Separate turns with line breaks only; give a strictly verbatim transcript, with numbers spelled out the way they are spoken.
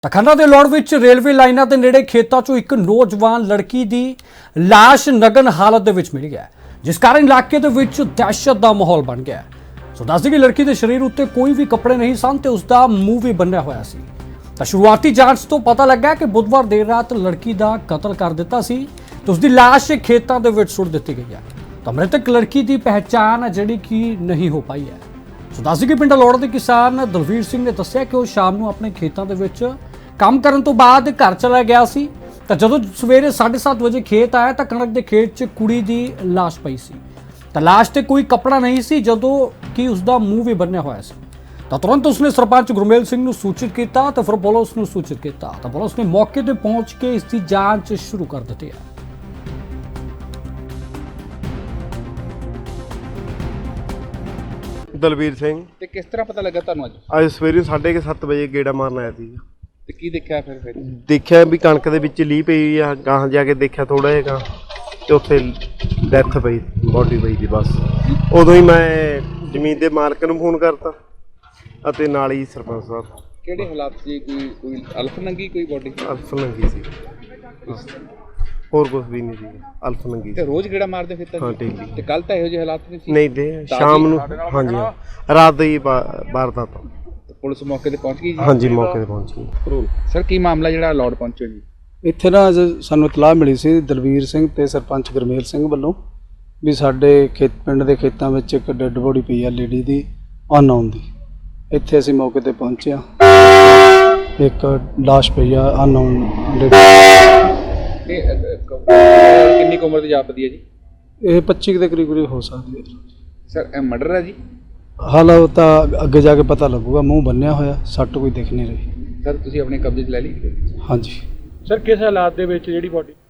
ਖੰਨਾ ਦੇ ਲੋੜ ਵਿੱਚ ਰੇਲਵੇ ਲਾਈਨਾਂ ਦੇ ਨੇੜੇ ਖੇਤਾਂ 'ਚੋਂ ਇੱਕ ਨੌਜਵਾਨ ਲੜਕੀ ਦੀ ਲਾਸ਼ ਨਗਨ ਹਾਲਤ ਦੇ ਵਿੱਚ ਮਿਲ ਗਿਆ, ਜਿਸ ਕਾਰਨ ਇਲਾਕੇ ਦੇ ਵਿੱਚ ਦਹਿਸ਼ਤ ਦਾ ਮਾਹੌਲ ਬਣ ਗਿਆ। ਸੋ ਦੱਸਦੇ ਕਿ ਲੜਕੀ ਦੇ ਸਰੀਰ ਉੱਤੇ ਕੋਈ ਵੀ ਕੱਪੜੇ ਨਹੀਂ ਸਨ ਤੇ ਉਸ ਦਾ ਮੂੰਹ ਵੀ ਬੰਨਿਆ ਹੋਇਆ ਸੀ। ਤਾਂ ਸ਼ੁਰੂਆਤੀ ਜਾਂਚ ਤੋਂ ਪਤਾ ਲੱਗਾ ਕਿ ਬੁੱਧਵਾਰ ਦੇਰ ਰਾਤ ਲੜਕੀ ਦਾ ਕਤਲ ਕਰ ਦਿੱਤਾ ਸੀ ਤੇ ਉਸ ਦੀ ਲਾਸ਼ ਖੇਤਾਂ ਦੇ ਵਿੱਚ ਸੁੱਟ ਦਿੱਤੀ ਗਈ ਹੈ। ਤਾਂ ਮ੍ਰਿਤਕ ਲੜਕੀ ਦੀ ਪਹਿਚਾਣ ਜਿਹੜੀ ਕਿ ਨਹੀਂ ਹੋ ਪਾਈ ਹੈ। ਸੋ ਦੱਸਦੇ ਕਿ ਪਿੰਡ ਲੋੜ ਦੇ ਕਿਸਾਨ ਦਲਵੀਰ ਸਿੰਘ ਨੇ ਦੱਸਿਆ ਕਿ ਉਹ ਸ਼ਾਮ ਨੂੰ ਆਪਣੇ ਖੇਤਾਂ ਦੇ ਵਿੱਚ ਕੰਮ ਕਰਨ ਤੋਂ ਬਾਅਦ ਘਰ ਚਲਾ ਗਿਆ ਸੀ ਤਾਂ ਜਦੋਂ ਸਵੇਰੇ ਸਾਢੇ ਸੱਤ ਵਜੇ ਖੇਤ ਆਇਆ ਤਾਂ ਕਣਕ ਦੇ ਖੇਤ 'ਚ ਕੁੜੀ ਦੀ ਲਾਸ਼ ਪਈ ਸੀ। ਤਾਂ ਲਾਸ਼ ਤੇ ਕੋਈ ਕੱਪੜਾ ਨਹੀਂ ਸੀ, ਜਦੋਂ ਕਿ ਉਸ ਦਾ ਮੂੰਹ ਵੀ ਬੰਨਿਆ ਹੋਇਆ ਸੀ। ਤਾਂ ਤੁਰੰਤ ਉਸਨੇ ਸਰਪੰਚ ਗੁਰਮੇਲ ਸਿੰਘ ਨੂੰ ਸੂਚਿਤ ਕੀਤਾ ਤਾਂ ਫਿਰ ਪੁਲਿਸ ਨੂੰ ਸੂਚਿਤ ਕੀਤਾ ਤਾਂ ਪੁਲਿਸ ਨੇ ਮੌਕੇ ਤੇ ਪਹੁੰਚ ਕੇ ਇਸ ਦੀ ਜਾਂਚ ਸ਼ੁਰੂ ਕਰ ਦਿੱਤੀ ਹੈ।
ਦਲਵੀਰ ਸਿੰਘ।
ਤੇ ਕਿਸ ਤਰ੍ਹਾਂ ਪਤਾ ਲੱਗਾ ਤੁਹਾਨੂੰ ਅੱਜ?
ਅੱਜ ਸਵੇਰੇ ਸਾਢੇ ਕੁ ਸੱਤ ਵਜੇ ਗੇੜਾ ਮਾਰਨ ਆਇਆ ਸੀ।
ਤੇ ਕੀ ਦੇਖਿਆ ਫਿਰ ਫਿਰ
ਦੇਖਿਆ ਵੀ ਕਣਕ ਦੇ ਵਿੱਚ ਲੀਹ ਪਈ ਆ, ਗਾਹਾਂ ਜਾ ਕੇ ਦੇਖਿਆ ਥੋੜਾ ਜਿਹਾ ਤੇ ਉੱਥੇ ਡੈਥ ਪਈ, ਬੋਡੀ ਪਈ ਸੀ। ਬਸ ਉਦੋਂ ਹੀ ਮੈਂ ਜ਼ਮੀਨ ਦੇ ਮਾਲਕ ਨੂੰ ਫੋਨ ਕਰਤਾ ਅਤੇ ਨਾਲ ਹੀ ਸਰਪੰਚ ਸਾਹਿਬ।
ਕਿਹੜੇ ਹਾਲਾਤ ਸੀ? ਕੋਈ ਕੋਈ ਅਲਫ ਨੰਗੀ ਕੋਈ ਬੋਡੀ?
ਅਲਫ ਨੰਗੀ ਸੀ, ਹੋਰ ਕੁਝ ਵੀ ਨਹੀਂ ਸੀ, ਅਲਫ ਨੰਗੀ
ਤੇ
ਸੀ।
ਰੋਜ਼ ਗੇੜਾ ਮਾਰਦੇ ਫਿਰ ਤਾਂ?
ਹਾਂ ਠੀਕ ਜੀ।
ਤੇ ਕੱਲ ਤਾਂ ਇਹੋ ਜਿਹੇ ਹਾਲਾਤ ਨਹੀਂ ਸੀ?
ਨਹੀਂ ਤੇ ਸ਼ਾਮ ਨੂੰ, ਹਾਂਜੀ ਹਾਂ, ਰਾਤ ਦੀ ਵਾਰਦਾਤ।
ਤੇ ਪੁਲਿਸ ਮੌਕੇ ਤੇ ਪਹੁੰਚ ਗਈ ਜੀ?
ਹਾਂਜੀ ਮੌਕੇ ਤੇ ਪਹੁੰਚ ਗਈ।
ਸਰ ਕੀ ਮਾਮਲਾ ਜਿਹੜਾ ਲੋੜ ਪਹੁੰਚੋ ਜੀ?
ਇੱਥੇ ਨਾ ਅੱਜ ਸਾਨੂੰ ਇਤਲਾਹ ਮਿਲੀ ਸੀ ਦਲਵੀਰ ਸਿੰਘ ਤੇ ਸਰਪੰਚ ਗੁਰਮੇਲ ਸਿੰਘ ਵੱਲੋਂ ਵੀ ਸਾਡੇ ਖੇਤ ਪਿੰਡ ਦੇ ਖੇਤਾਂ ਵਿੱਚ ਇੱਕ ਡੈੱਡ ਬੋਡੀ ਪਈ ਆ ਲੇਡੀ ਦੀ, ਅਨਨੋਨ ਦੀ। ਇੱਥੇ ਅਸੀਂ ਮੌਕੇ ਤੇ ਪਹੁੰਚੇ ਆ, ਇੱਕ ਲਾਸ਼ ਪਈ ਆ ਅਨਨੋਨ ਲੇਡੀ।
ਇਹ ਕਿੰਨੀ ਕੁ ਉਮਰ ਦੀ ਜਾਪਦੀ ਹੈ ਜੀ?
ਇਹ ਪੱਚੀ ਦੇ ਕਰੀਬ ਕਰੀਬ ਹੋ ਸਕਦੀ ਹੈ
ਸਰ ਇਹ ਮਰਡਰ ਹੈ ਜੀ?
ਹਾਲ ਉਹ ਤਾਂ ਅੱਗੇ ਜਾ ਕੇ ਪਤਾ ਲੱਗੂਗਾ। ਮੂੰਹ ਬੰਨਿਆ ਹੋਇਆ, ਸੱਟ ਕੋਈ ਦਿਖ ਨਹੀਂ ਰਹੀ।
ਸਰ ਤੁਸੀਂ ਆਪਣੇ ਕਬਜ਼ੇ 'ਚ ਲੈ ਲਈ?
ਹਾਂਜੀ।
ਸਰ ਕਿਸ ਹਾਲਾਤ ਦੇ ਵਿੱਚ ਜਿਹੜੀ ਬੋਡੀ?